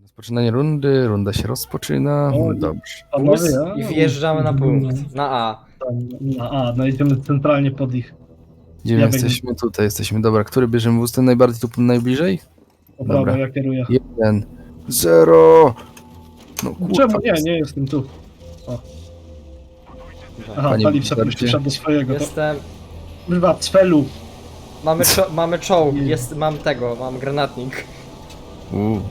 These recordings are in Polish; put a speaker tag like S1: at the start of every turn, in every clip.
S1: Rozpoczynanie rundy, runda się rozpoczyna.
S2: O,
S1: Dobrze.
S2: Panowie,
S3: I wjeżdżamy na punkt. Na A.
S2: no idziemy centralnie pod ich.
S1: Gdzie
S2: Ja
S1: my
S2: biegnę.
S1: jesteśmy? Tutaj jesteśmy. Dobra, który bierzemy wóz? Ten najbardziej tu najbliżej?
S2: Po
S1: Dobra.
S2: prawo, ja kieruję.
S1: 1, 0. No kurwa.
S2: Czemu? Nie jestem tu. O. Aha,
S1: Panie
S2: Talib sobie
S1: Wizardzie.
S2: przyszedł do swojego. To...
S3: Jestem.
S2: Kurwa, cfelu.
S3: Mamy czołg,
S2: Nie.
S3: mam granatnik.
S1: U.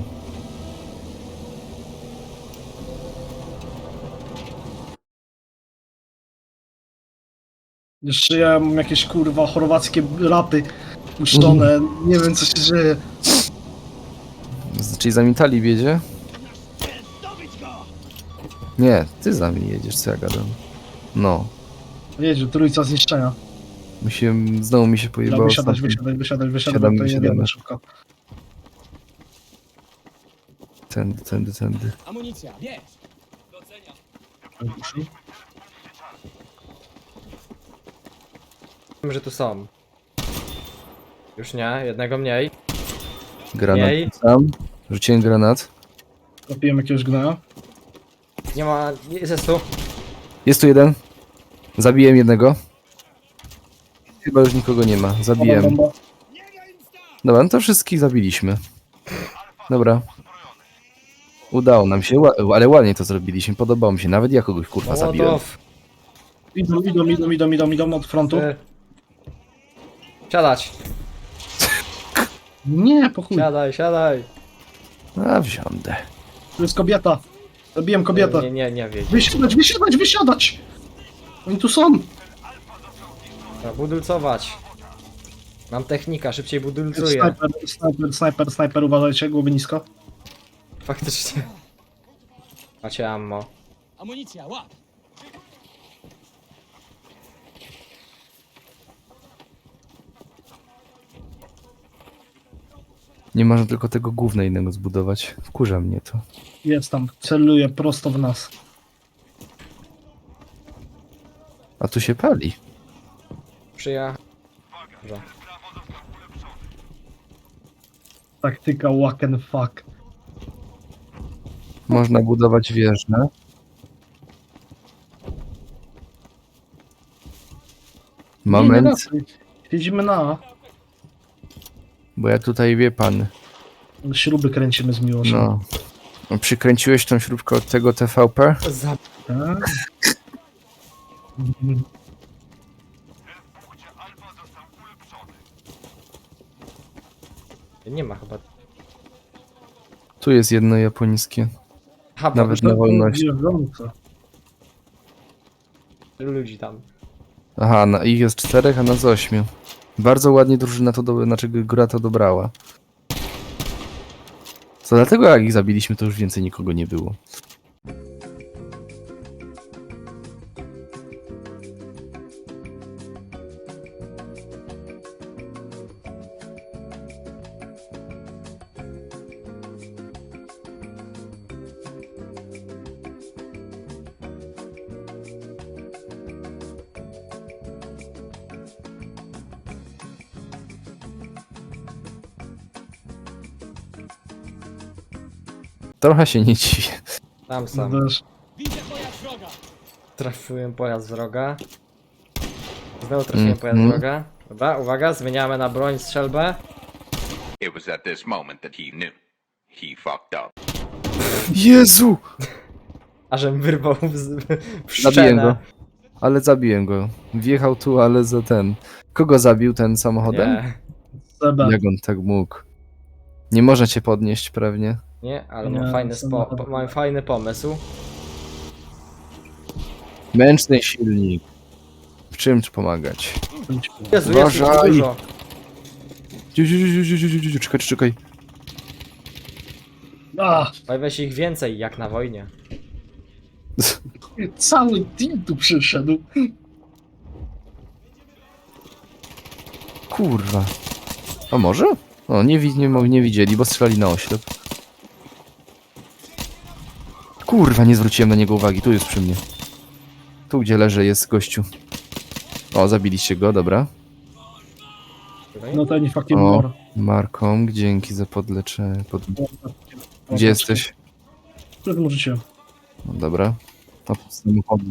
S2: Jeszcze ja mam jakieś kurwa chorwackie rapy puszczone. Nie wiem co się dzieje.
S1: Czyli za Talib jedzie? Nie, ty za mnie jedziesz, co ja gadam. No.
S2: Jedzie, trójca zniszczenia.
S1: Znowu mi się
S2: Dobra,
S1: pojebało.
S2: wysiadać,
S1: ostatnio.
S2: wysiadać,
S1: Siadamy,
S2: to nie
S1: siadamy.
S2: wiemy szybko.
S1: Tędy.
S4: Amunicja, bierz!
S3: Wiem, że tu są. Już nie, jednego mniej.
S1: Granat
S3: Jej.
S1: sam. Rzuciłem granat.
S2: Zapiłem jakiegoś gnoja.
S3: Nie ma. Jest tu.
S1: Jest tu jeden. Zabiłem jednego. Chyba już nikogo nie ma. Zabiłem.
S2: Bomba.
S1: Dobra, no to wszystkich zabiliśmy. Dobra. Udało nam się, ale ładnie to zrobiliśmy. Podobało mi się. Nawet ja kogoś kurwa zabiłem.
S3: Mołotow.
S2: Idą od frontu.
S3: Ty. Siadać.
S2: Nie, po chuj.
S3: Siadaj.
S1: A wsiądę.
S2: Tu jest kobieta. Zabiłem kobietę.
S3: Nie wiedz.
S2: Wysiadać! Oni tu są.
S3: Budulcować. Mam technika, szybciej budulcuję.
S2: Snajper, uważajcie, głowy nisko.
S3: Faktycznie. Macie ammo.
S4: Amunicja, łap!
S1: Nie można tylko tego gówna innego zbudować. Wkurza mnie to.
S2: Jest tam, celuje prosto w nas.
S1: A tu się pali.
S3: Przyja. Dobra.
S2: Taktyka walk and fuck.
S1: Można budować wieżę. Moment,
S2: Siedzimy na A.
S1: bo ja tutaj wie pan.
S2: Śruby kręcimy z miłością.
S1: No. Przykręciłeś tą śrubkę od tego TVP?
S2: Tak?
S3: Nie ma chyba.
S1: Tu jest jedno japońskie.
S3: Aha,
S1: Nawet
S3: bo
S1: na wolność.
S2: Wjeżdżące.
S3: ludzi tam.
S1: Aha, ich jest 4, a nas 8. Bardzo ładnie drużyna znaczy gra to dobrała. Co dlatego jak ich zabiliśmy, to już więcej nikogo nie było. Trochę się nie dziwię.
S3: Tam są.
S2: Też.
S4: Widzę pojazd wroga!
S3: Trafiłem pojazd wroga. Znowu trafiłem pojazd
S1: Mhm.
S3: wroga. Dobra, uwaga, zmieniamy na broń strzelbę.
S5: It was at this moment that he knew. He fucked up.
S1: Jezu!
S3: Ażem wyrwał w
S1: Zabiłem go.
S3: szczenę.
S1: Ale zabiłem go. Wjechał tu, ale za ten. Kogo zabił ten samochodem?
S3: Nie,
S2: Seba.
S1: Jak on tak mógł? Nie można cię podnieść pewnie.
S3: nie, ale
S2: Nie,
S3: mam fajny pomysł.
S1: Męczny silnik. W czym ci pomagać?
S3: Jezu,
S1: Uważaj.
S3: dużo.
S1: Czekaj.
S2: A,
S3: Pojawia się ich więcej, jak na wojnie.
S2: cały team tu przyszedł.
S1: Kurwa. A może? O, nie widzieli, bo strzelali na oślep. Kurwa, nie zwróciłem na niego uwagi. Tu jest przy mnie. Tu, gdzie leży, jest gościu. O, zabiliście go, dobra.
S2: No to nie fucking
S1: O,
S2: more.
S1: Markom, dzięki za podleczenie. Gdzie jesteś?
S2: Przed tym rzuciłem.
S1: No dobra. To pod samochodem.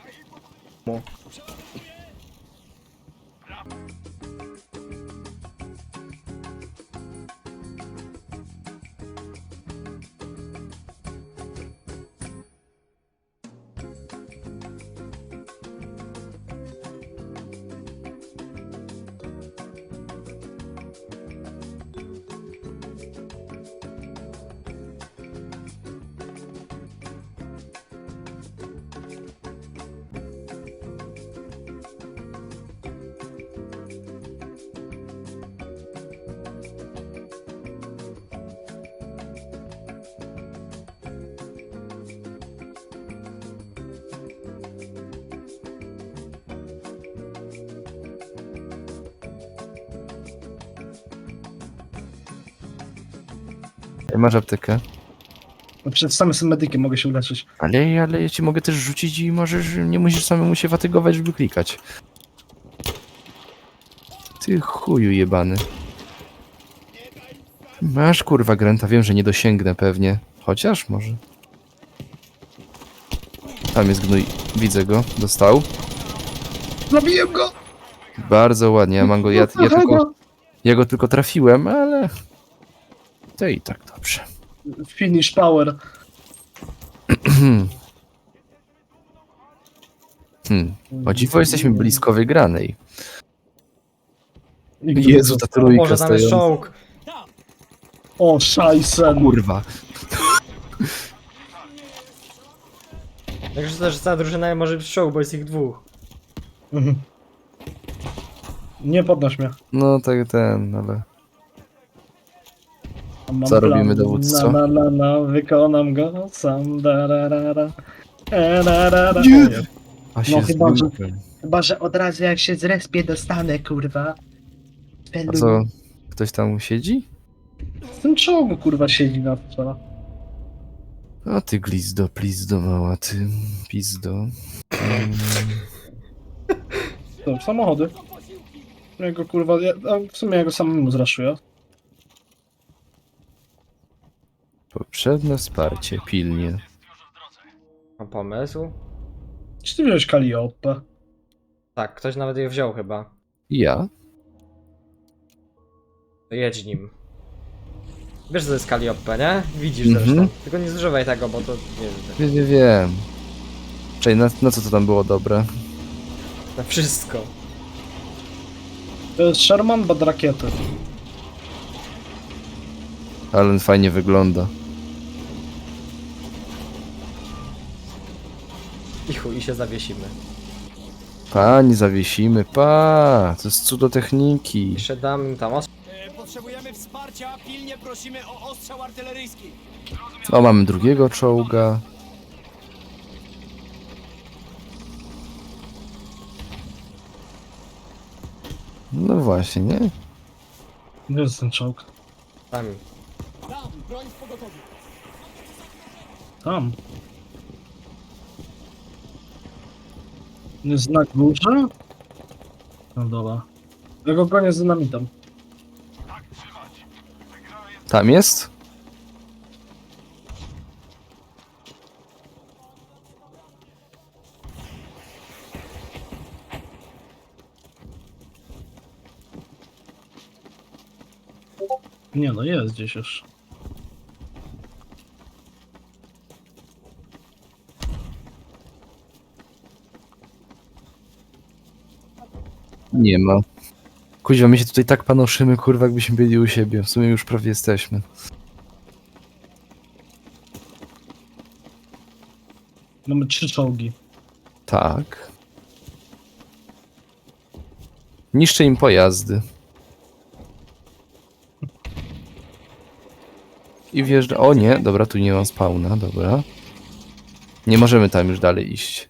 S1: Masz aptekę.
S2: No przed samym jestem medykiem, mogę się uleczyć.
S1: Ale ja ci mogę też rzucić i możesz, nie musisz samemu się fatygować, żeby klikać. Ty chuju jebany. Masz kurwa Granta, wiem, że nie dosięgnę pewnie. Chociaż może. Tam jest gnój, widzę go, dostał.
S2: Zabiłem go!
S1: Bardzo ładnie, ja mam go, ja go tylko trafiłem, ale... To i tak dobrze.
S2: Finish power.
S1: O dziwo jesteśmy blisko wygranej.
S2: Nigdy
S1: Jezu,
S2: nie
S1: ta
S2: został.
S1: trójka
S3: Może tam jest
S1: stojąca.
S3: czołg.
S2: O, szajsen.
S1: Kurwa.
S3: Także też cała drużyna może być czołg, bo jest ich dwóch.
S2: Mhm. Nie podnoś mnie.
S1: No tak ten, ale...
S2: Mam
S1: Co
S2: plan.
S1: robimy, dowódco?
S2: Wykonam go sam. Da.
S1: Nie.
S2: O,
S1: A się
S2: chyba, że-
S1: zbiłem.
S2: Chyba, że od razu jak się zrespię dostanę, kurwa.
S1: A co? Ktoś tam siedzi?
S2: W tym czołgu, kurwa, siedzi na to.
S1: O ty glizdo, mała ty, pizdo.
S2: To, samochody. Jego, kurwa, w sumie ja go samemu zraszuję.
S1: Potrzebne wsparcie, pilnie.
S3: Mam pomysł?
S2: Czy ty wziąłeś Kaliopę?
S3: Tak, ktoś nawet je wziął chyba.
S1: Ja?
S3: To jedź nim. Wiesz, co to jest Kaliopę, nie? Widzisz
S1: Mhm.
S3: zresztą. Tylko nie zużywaj tego, bo to nie wiem.
S1: Wiem. Czekaj, na co to tam było dobre?
S3: Na wszystko.
S2: To jest Sherman bad rakiety.
S1: Ale on fajnie wygląda.
S3: I chuj, i się zawiesimy.
S1: Pani zawiesimy, pa! To jest cudo techniki.
S3: Jeszcze dam im tam
S4: Potrzebujemy wsparcia, pilnie prosimy o ostrzał artyleryjski.
S1: O, mamy drugiego czołga. No właśnie, nie?
S2: Gdzie jest ten czołg?
S3: tam.
S4: Tam, broń w pogotowiu.
S2: Tam. Jest znak górze? No dobra. Ja go gonię z dynamitem.
S1: Tam jest?
S2: Nie no, jest gdzieś już.
S1: Nie ma. Kuźwa, my się tutaj tak panoszymy, kurwa, jakbyśmy byli u siebie. W sumie już prawie jesteśmy.
S2: Mamy 3 czołgi.
S1: Tak. Niszczę im pojazdy. I wjeżdża... O nie, dobra, tu nie mam spawna, dobra. Nie możemy tam już dalej iść.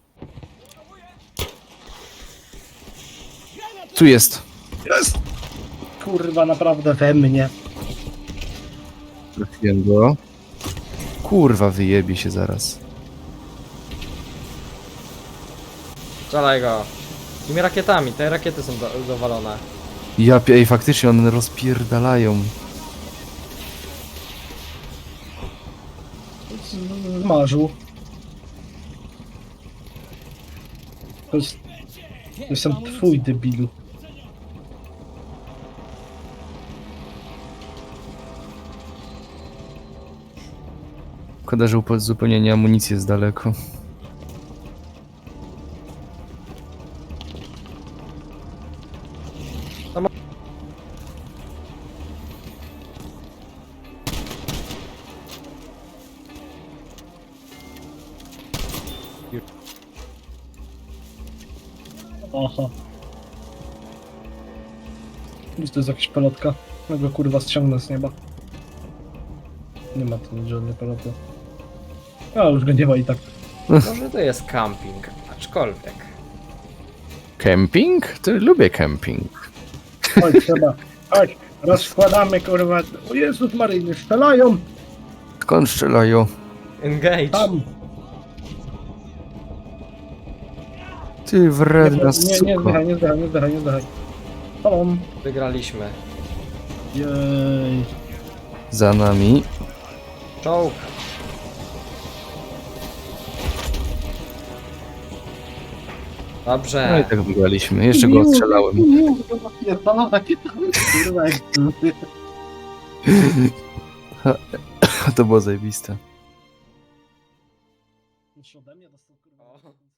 S1: Tu jest.
S2: Jest! Kurwa, naprawdę we mnie.
S1: Trafiłem go. Kurwa, wyjebie się zaraz.
S3: Strzelaj go. Tymi rakietami, te rakiety są dowalone.
S1: Ej, faktycznie one rozpierdalają.
S2: Zmarzył. To jestem twój debilu.
S1: Szkoda, że u uzupełnienia amunicji jest daleko.
S2: Aha. Gdzieś to jest jakaś pelotka. Ja go kurwa ściągnę z nieba. Nie ma tu żadnej peloty. A już go nie ma i tak.
S3: Może to jest camping, aczkolwiek.
S1: Camping? To lubię camping.
S2: Chodź, trzeba. Chodź, rozkładamy kurwa. O Jezus Maryjny, strzelają!
S1: Skąd strzelają?
S3: Engage.
S2: Tam!
S1: Ty wredna
S2: Nie
S1: suko.
S2: zdychaj, nie zdychaj, nie zdychaj, nie zdychaj. Tom.
S3: Wygraliśmy.
S2: Jej.
S1: Za nami.
S3: Czołg.
S1: No i
S3: Dobrze.
S1: tak wygraliśmy. Jeszcze go ostrzelałem.
S2: Kurwa, jak
S1: To było zajebiste.
S2: ode mnie dostał kurwa.